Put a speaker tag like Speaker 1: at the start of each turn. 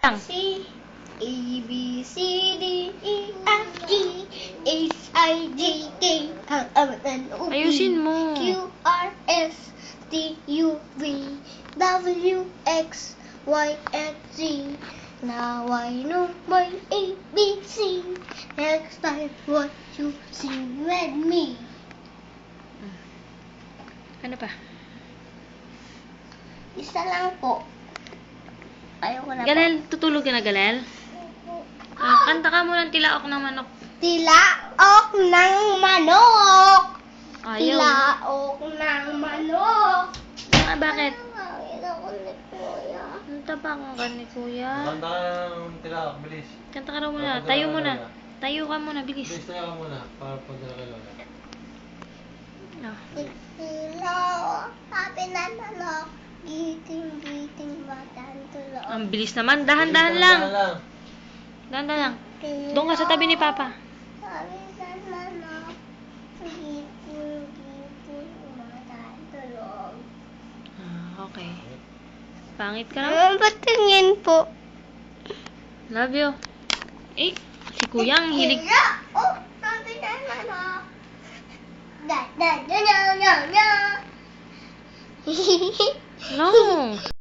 Speaker 1: C A B C D E F G H I J K L M N O P
Speaker 2: Ayusin mo.
Speaker 1: Q R S T U V W X Y and Z. Now I know my ABC. Next time what you sing with me.
Speaker 2: Ano pa?
Speaker 1: Isa lang po. Ayoko na po.
Speaker 2: Galel, tutulog ka na, Galel? Kanta ka muna ng tilaok ng manok.
Speaker 1: Tilaok ng manok.
Speaker 2: Ayaw.
Speaker 1: Tilaok ng manok.
Speaker 2: Ah, bakit?
Speaker 1: Nakakita ko ni Kuya.
Speaker 2: Kanta pa kung ka ni Kuya.
Speaker 3: Kanta ka ng tilaok, bilis.
Speaker 2: Kanta ka raw muna. Tayo muna. Tayo ka muna, bilis.
Speaker 3: Bilis tayo ka muna, para pagdala kay Lola.
Speaker 2: Ah.
Speaker 1: Tilaok, sabi na manok. Giting batang tulog.
Speaker 2: Ang bilis naman. Dahan-dahan
Speaker 3: Bilis,
Speaker 2: lang.
Speaker 3: dahan-dahan lang.
Speaker 2: Dahan-dahan lang. Doon ka sa tabi ni Papa.
Speaker 1: Sabi na manok. Giting batang tulog.
Speaker 2: Ah, okay. Pangit ka naman.
Speaker 1: Patingin po.
Speaker 2: Love you. Eh, si Kuya ang hilig.
Speaker 1: Oh, sabi na manok. Da.
Speaker 2: No.